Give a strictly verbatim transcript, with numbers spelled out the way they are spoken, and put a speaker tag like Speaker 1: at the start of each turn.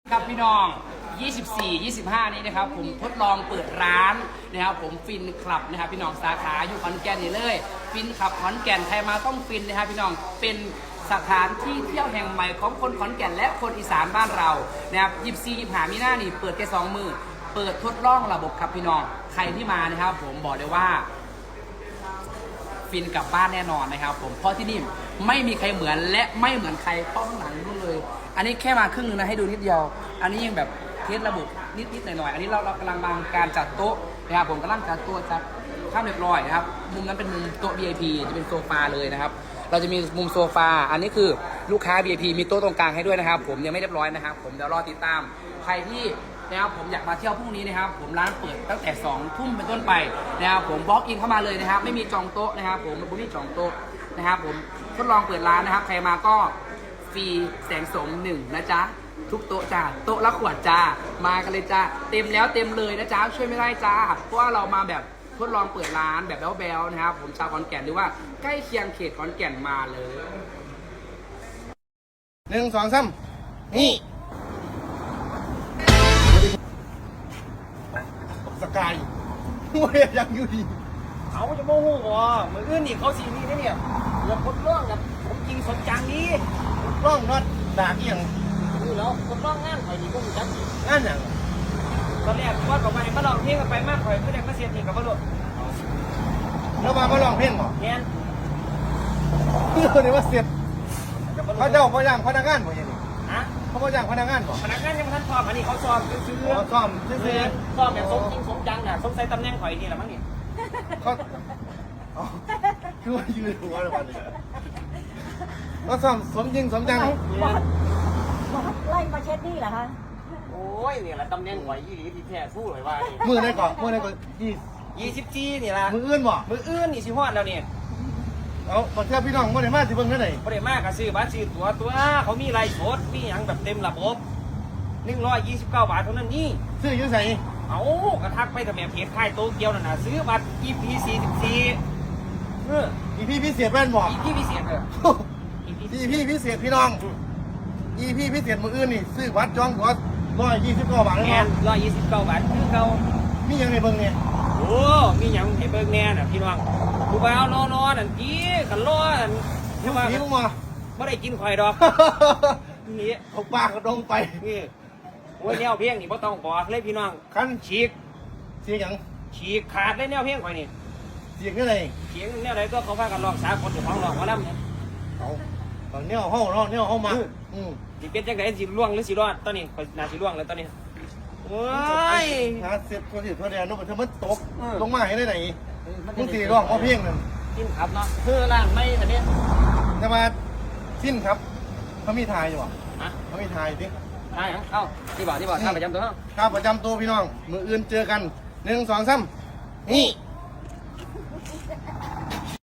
Speaker 1: ครับพี่น้อง ยี่สิบสี่ ยี่สิบห้า นี้นะครับผมทดลองเปิดร้านนะครับผมฟินคลับนะครับพี่น้องสาขาอยู่ขอนแก่นนี่เลยฟินคลับขอนแก่นใครมาต้องฟินนะครับพี่น้องเป็นสถานที่เที่ยวแห่งใหม่ของคนขอนแก่นและคนอีสานบ้านเรานะครับยี่สิบสี่ ยี่สิบห้า มีหน้านี่เปิดแค่สองมือเปิดทดลองระบบครับพี่น้องใครที่มานะครับผมบอกเลยว่าฟินกลับบ้านแน่นอนนะครับผมเพราะที่นี่ไม่มีใครเหมือนและไม่เหมือนใครเพราะข้างหลังนู่นเลยอันนี้แค่มาครึ่งนึงนะให้ดูนิดเดียวอันนี้ยังแบบเทสระบบนิดๆหน่อยๆอันนี้เราเรากำลังวางการจัดโต๊ะนะครับผมกำลังจัดโต๊ะจัดข้ามเรียบร้อยนะครับมุมนั้นเป็นมุมโต๊ะ วี ไอ พี จะเป็นโซฟาเลยนะครับเราจะมีมุมโซฟาอันนี้คือลูกค้า วี ไอ พี มีโต๊ะตรงกลางให้ด้วยนะครับผมยังไม่เรียบร้อยนะครับผมเดี๋ยวรอติดตามใครที่นะครับผมอยากมาเที่ยวพรุ่งนี้นะครับผมร้านเปิดตั้งแต่สองทุ่มเป็นต้นไปนะครับผมบล็อกอินเข้ามาเลยนะครับไม่มีจองโต๊ะนะครับผมไม่มีจองโต๊ะนะครับผมทดลองเปิดร้านนะครับใครมาก็ฟรีแสงสมหนึ่งนะจ๊ะทุกโต๊ะจ้าโต๊ะละขวดจ้ามากันเลยจ้าเต็มแล้วเต็มเลยนะจ๊ะช่วยไม่ได้จ้าเพราะว่าเรามาแบบทดลองเปิดร้านแบบแบ๊วๆนะครับผมชาวขอนแก่นหรือว่าใกล้เคียงเขตขอนแก่นมาเลย
Speaker 2: หนึ่งสองสามนี่สกายโอ้ยยังอยู่ดี
Speaker 3: เขาจะโมโหวะมืออื่นนี่เขาสีนี่เนี่ยเรื่องคนร้องแบบผมจริงสนจังนี้
Speaker 2: ร่องน็อตด่าเอียง
Speaker 3: นี่แล้วคนร้องงานข่อยนี่ก็มีจัง
Speaker 2: งานอย่าง
Speaker 3: ตอนแรกว่ากับไปมาลองเพลงกันไปมากข่อยก็ได้มาเสียนี่กับมาโดด
Speaker 2: แล้วมามาลองเพลงเหรอ
Speaker 3: แง่น
Speaker 2: เดี๋ยวว่าเสียบเขาเจ้าเขาย่างพนักงานบ่ยังนี่
Speaker 3: ฮะ
Speaker 2: เขาเขาย่างพนักงานบ่
Speaker 3: พนักงานยังไม่ทันซ้อมอันนี้เขาซ้อมซื้อ
Speaker 2: ๆซ้อมซื้อ
Speaker 3: ซ้อมแบบสมจริงสมจังน่ะสมใส่ตำแหน่งข่อยนี่แหละมั้งนี่
Speaker 2: เขาคือว่ายืนหัวเลยวันนี้เขาซ้อมสมจริงสมจัง
Speaker 4: ไล่มาเช็ดนี่เหรอคะ
Speaker 3: โอ้ยนี่แหละตำแหน่งข่อยยี่หลีที่แท้สู้เลยว่า
Speaker 2: มือได้ก่อนมือได้ก่อนยี่
Speaker 3: ยี่สิบจีนี่ละ
Speaker 2: มืออื่นบ่
Speaker 3: มืออื่นนี่สิฮอดแล้วเนี่ย
Speaker 2: เอาบางทีพี่น้องมื่อไหร่มาสิเบิ่งเท่าไหร่
Speaker 3: บ่ได้มากก็ซื้อบัตรซื้อตั๋วตัวเขามีไลฟ์สดมีหยังแบบเต็มระบบหนึ่งร้อยยี่สิบเก้าบาทเท่านั้นนี่
Speaker 2: ซื้ออยู่ใส่
Speaker 3: เอากระทักไปกับแม่เพจค่ายโตเกียวนั่นน่ะซื้อบัตร อี พี สี่สิบสี่เออ
Speaker 2: อีพี่พิเศษแม่นบอก
Speaker 3: อี พี พิเศษเออ
Speaker 2: อีพี่พิเศษพี่น้องอีพี่พิเศษมืออื่นนี่ซื้อวัดจองหัวร้อยยี่สิบเก้าบาทเลย
Speaker 3: แม่
Speaker 2: มั้ง
Speaker 3: ร้อยยี่สิบเก้าบาทคือเก่า
Speaker 2: มียังในเบิ่งเนี่ย
Speaker 3: โอ้มีหยังให้เบิ่งแน่น่ะพี่น้องผู้บ่าวนอนๆนั่นกี้กันรอนั่น
Speaker 2: ที่ว่านี่มึงมา
Speaker 3: บ่ได้กินข่อยดอกนี่
Speaker 2: เอาปากกระดงไป
Speaker 3: นี่โอ้ยแนวเพลงนี่บ่ต้องบอกเลยพี่น้อง
Speaker 2: คัน
Speaker 3: ฉีก
Speaker 2: เสียงหยัง
Speaker 3: ฉีกขาดเลยแนวเพลงข่อยนี่
Speaker 2: เสียงยังไง
Speaker 3: เสียงแนวไหนก็เขาพากันร้องสากลอยู่ของร้องหมอลำเนี่ย
Speaker 2: เอาตอนนี้ห้องเนาะเนี่ยห้องมาอืม
Speaker 3: สิเป็นจังไดสิล่วงหรือสิรอดตอนนี้ข่อยน่าสิล่วงแล้วตอนนี้โอ้ย
Speaker 2: หาเสร็จคนที่ตัวแดนนู้นมันมันตกลงมาให้ได้ไหนมึงสี่ร้องเพราะเพียงนั่น
Speaker 3: สิ้นครับเนาะคือร้านไม่แต่เนี้ย
Speaker 2: จะมาสิ้นครับเขามีทายอยู่อ่ะ
Speaker 3: ฮะ
Speaker 2: เขามีทายดิ
Speaker 3: ทายเอ้าที่บอกที่บอกข้าประจำตัว
Speaker 2: ข้าประจำตัวพี่น้องมืออื่นเจอกันหนึ่งสองสามนี่